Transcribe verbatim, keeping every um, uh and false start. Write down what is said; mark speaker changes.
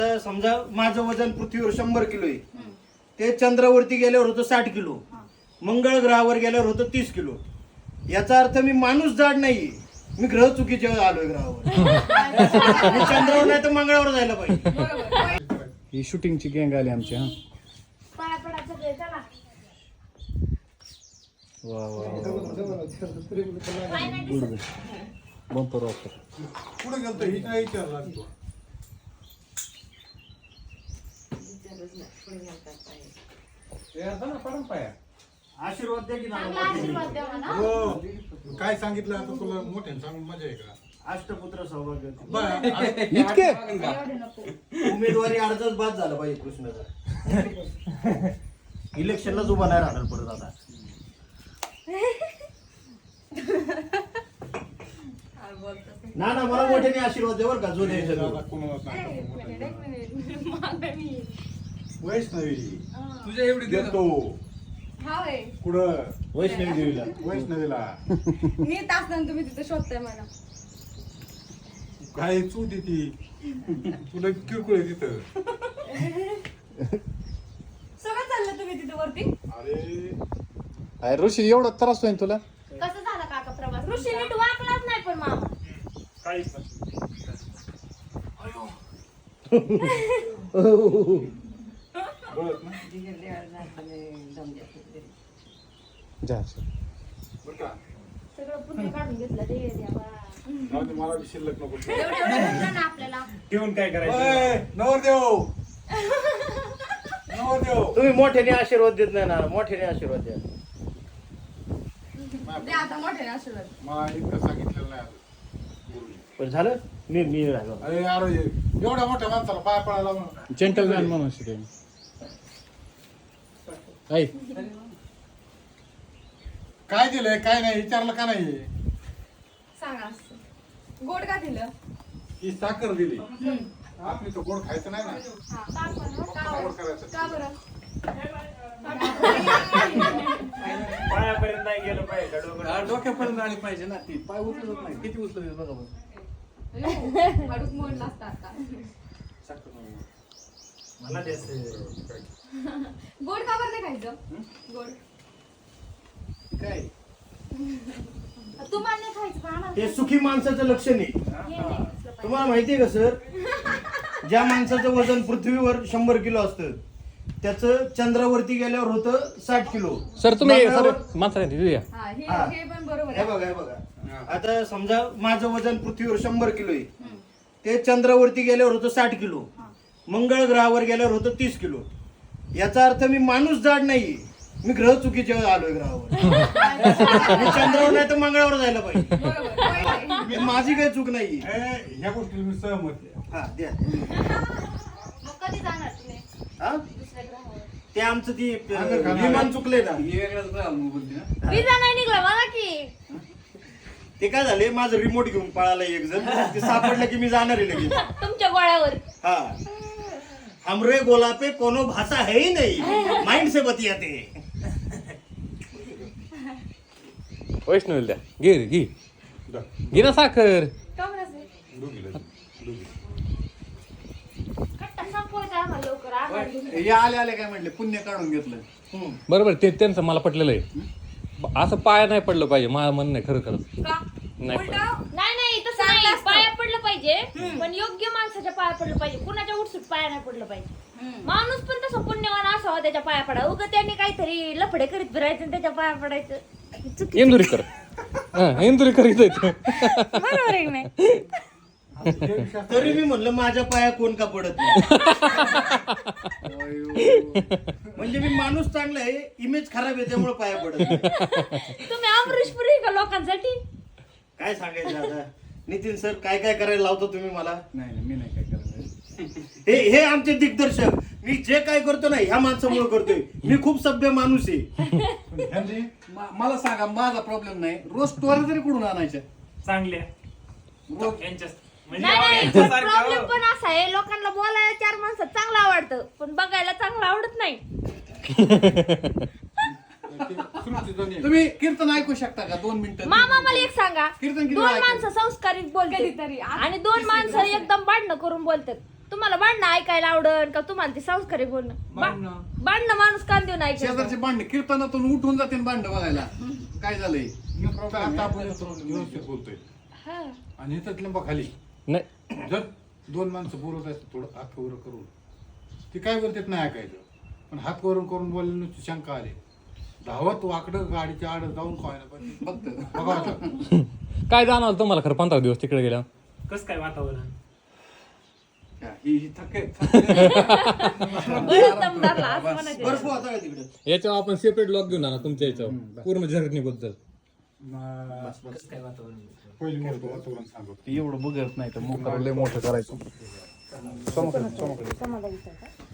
Speaker 1: समजा माझं वजन पृथ्वीवर शंभर किलो आहे, ते चंद्रावरती गेल्यावर होतं साठ किलो, मंगळ ग्रहावर गेल्यावर होतं तीस किलो. याचा अर्थ मी माणूस जाड नाही, मी ग्रह चुकीचे आलोय ग्रहावर. मी चंद्रावर नाही तर मंगळावर जायला पाहिजे.
Speaker 2: ही शूटिंगची गँग आली आमची. हा वा वा बंपर ऑफर
Speaker 3: पुढे गेलतो ही काय विचारला तू
Speaker 1: आशीर्वाद द्या की ना.
Speaker 3: हो काय सांगितलं आता तुला मोठ्याने सांगून मजा आहे का?
Speaker 1: अष्टपुत्र सौभाग्य.
Speaker 2: इतके
Speaker 1: उमेदवारी अर्जच बाद झाला पाहिजे कृष्णाचा. इलेक्शनलाच उभा नाही राहणार परत आता. ना ना मला मोठ्याने आशीर्वाद द्या बरं का. जो द्यायचा
Speaker 3: वैष्णवी तुझ्या एवढी देतो कुठं
Speaker 1: वैष्णवी देवीला.
Speaker 3: वैष्णवीला
Speaker 4: मी तास नंतर तुम्ही तिथे शोधताय मला.
Speaker 3: काय चू ती तुला किरकोळ आहे तिथं.
Speaker 4: सगळं चाललं तुम्ही तिथे वरती.
Speaker 3: अरे
Speaker 2: अरे ऋषी एवढा त्रास होईल तुला.
Speaker 4: कसं झालं काका प्रवास? ऋषी नीट वाकलाच नाही पण मामा.
Speaker 3: बरं ना
Speaker 2: जा
Speaker 3: बरं का
Speaker 4: सगळं पुण्य काढून घेतलं ते देवा.
Speaker 3: जाऊ दे, मला बी शिल्लक नको.
Speaker 4: एवढं एवढं भेटलं ना आपल्याला.
Speaker 1: ठेवून काय करायचं.
Speaker 3: ओय, नवरदेव नवरदेव
Speaker 1: तुम्ही मोठ्याने आशीर्वाद देत नाही ना. मोठ्याने आशीर्वाद द्या.
Speaker 4: दे आता मोठे आशीर्वाद.
Speaker 3: मला इतकं सांगितलेलं नाही अजून.
Speaker 1: पण झालं मी मी राहिलो.
Speaker 3: अरे यार एवढ्या मोठ्या माणसाला पाय पडायला म्हणून
Speaker 2: जेंटलमॅन म्हणून शिकेल. ऐ
Speaker 3: काय दिलंय काय नाही विचारलं का नाही?
Speaker 4: सांगा असं. गोड का दिलं?
Speaker 3: ही साखर दिली. आपली तो गोड खायचं नाही ना.
Speaker 4: हा, का बरं? का
Speaker 3: गोड
Speaker 4: बरं?
Speaker 3: करायचं.
Speaker 4: का बरं?
Speaker 1: पायापर्यंत नाही गेलं पाहिजे.
Speaker 2: डोक्यापर्यंत आली पाहिजे ना ती. पाय उचलत नाही. किती उचलत बघा बघ.
Speaker 4: हळूच मोडला असता आता.
Speaker 1: मला द्यायचं.
Speaker 4: गोड का बरं नाही खायचं? गोड
Speaker 2: काय
Speaker 4: तुम्हाला नाही खायचं पण आम्हाला
Speaker 1: ते सुखी माणसाचं लक्षण आहे.
Speaker 4: हे नाही असलं पाहिजे.
Speaker 1: तुम्हाला माहितीये का सर, ज्या माणसाचं वजन पृथ्वीवर शंभर किलो असतं त्याचं चंद्रावरती गेल्यावर होतं साठ किलो.
Speaker 2: सर तुम्ही
Speaker 1: मंगळावर-
Speaker 2: माणसा दिऊया.
Speaker 4: हा, हे
Speaker 1: हा.
Speaker 4: हे पण बरोबर
Speaker 1: हे
Speaker 4: आहे.
Speaker 1: बघा हे बघा. आता समजा माझं वजन पृथ्वीवर शंभर किलो आहे, ते चंद्रावरती गेल्यावर होतं साठ किलो, मंगळ ग्रहावर गेल्यावर होतं तीस किलो. याचा अर्थ मी माणूस जाड नाही, मी ग्रह चुकीचे आलोय ग्रहावर. मी चंद्रावर नाही तर मंगळावर जायला पाहिजे.
Speaker 4: बरोबर point आहे.
Speaker 1: हे माझी काही चूक नाही.
Speaker 3: ह्या गोष्टीला मी सहमत आहे.
Speaker 1: हा द्या.
Speaker 4: मग कधी जाणार तुम्ही
Speaker 1: हा
Speaker 4: दुसऱ्या ग्रहावर?
Speaker 1: ते आमचं ती
Speaker 3: आगर खाणार.
Speaker 1: विमान चुकले ना.
Speaker 4: विजा नाही निघला मला की.
Speaker 1: ते काय झाले, माझं रिमोट घेऊन पळाला एक जण. ते सापडलं की मी जाणार आहे लगेच.
Speaker 4: तुमच्या गोळ्यावर.
Speaker 1: हा हमरे गोला पे कोनो भाषा है ही नहीं, माइंड से बतियाते.
Speaker 2: वैष्णवी द्या. घे रे, घे घे ना साखर.
Speaker 4: का बरं असेल?
Speaker 3: दोघीला दोघी.
Speaker 4: कट्टा संपवायचा आम्हाला लवकर. आम्हाला घेऊन.
Speaker 2: या आले आले काय म्हटले पुण्य काढून घेतलं.
Speaker 1: हम्म.
Speaker 2: बरोबर ते त्यांचं मला पटलेलं आहे. असं पाया नाही पडलं पाहिजे. माझं म्हणणं आहे खरं खरं
Speaker 4: का?
Speaker 2: नाही
Speaker 4: उलटं?
Speaker 2: पडलं.
Speaker 5: नाही नाही तसं नाही. पाया पडलं पाहिजे पण योग्य माणसाच्या पाया पडलं पाहिजे. कुणाच्या उठसूट पाया नाही पडलं पाहिजे. माणूस पण तसं पुण्यवान असावा त्याच्या पाया पडा. उगा त्यांनी काहीतरी लफडे करीत फिरायचं आणि त्याच्या पाया पडायचं. चुकीचं.
Speaker 2: इंदुरीकर हा इंदुरीकर इथं येतं.
Speaker 5: बरोबर आहे की नाही?
Speaker 1: तरी मी म्हणलं माझ्या पाया कोण का पडत नाही. म्हणजे मी माणूस चांगला आहे, इमेज खराब आहे त्यामुळे पाया पडत नाही.
Speaker 5: तुम्ही अमरीशपुरी का लोकांसाठी?
Speaker 1: काय सांगायचं आता. नितीन सर काय काय करायला लावतो तुम्ही मला.
Speaker 2: नाही नाही, मी नाही काय करायचं.
Speaker 1: हे हे आमचे दिग्दर्शक. मी जे काय करतो ना ह्या माणसामुळे करतोय. मी खूप सभ्य माणूस आहे.
Speaker 3: ह्यांची
Speaker 2: मा- मला सांगा माझा प्रॉब्लेम नाही. रोज स्टोरी तरी कुठून आणायच्या.
Speaker 6: चांगल्या
Speaker 2: रोज
Speaker 6: यांच्या
Speaker 5: नाही नाही प्रॉब्लेम पण असा आहे, लोकांना बोलायला चार माणसं चांगलं आवडतं पण बघायला चांगलं आवडत नाही.
Speaker 2: तुम्ही कीर्तन ऐकू शकता का दोन मिनिटं?
Speaker 5: मामा मला एक सांगा,
Speaker 2: कीर्तन किती
Speaker 5: दोन
Speaker 2: वेळा
Speaker 5: माणसं संस्कारित बोलतात
Speaker 4: कधीतरी.
Speaker 5: आणि दोन माणसं एकदम भांडणं करून बोलतात. तुम्हाला भांडणं ऐकायला आवडन का तुम्हाला ते संस्कारी बोलणं बा-
Speaker 3: भांडणं.
Speaker 5: भांडणं माणूस कान देऊन ऐकायचं
Speaker 3: शेजारचे भांडणे कीर्तनातून उठून जाते ना भांडणं बघायला काय झालंय आता आपण व्यवस्थित बोलतोय
Speaker 5: हा.
Speaker 3: आणि इथं लिंबा खाली
Speaker 2: नाही
Speaker 3: जर दोन माणसं बोलत असतात थोडं हात वर करून ते काय बोलतात नाही ऐकायचं पण हात वरून करून बोलण्याची शंका आली धावत वाकडं गाडीच्या आड जाऊन खायला पण फक्त बघा आता.
Speaker 2: काय जाणवलं तुम्हाला खरं पंधरा दिवस तिकडे गेल्या
Speaker 6: कसं काय वातावरण
Speaker 3: ही ही थके
Speaker 5: बरं दमदारला असं म्हणायचं.
Speaker 1: बर्फ होता का तिकडे?
Speaker 2: याच्यावर आपण सेपरेट लॉक घेऊन आणा तुमच्या याच्यावर पूर्ण जर्नीबद्दल
Speaker 6: कसं काय वातावरण
Speaker 3: पहिली मोठं वातावरण सांगतो
Speaker 7: एवढं बघत नाही तर मोकळं लय मोठं करायचं
Speaker 5: समाधान विचारता.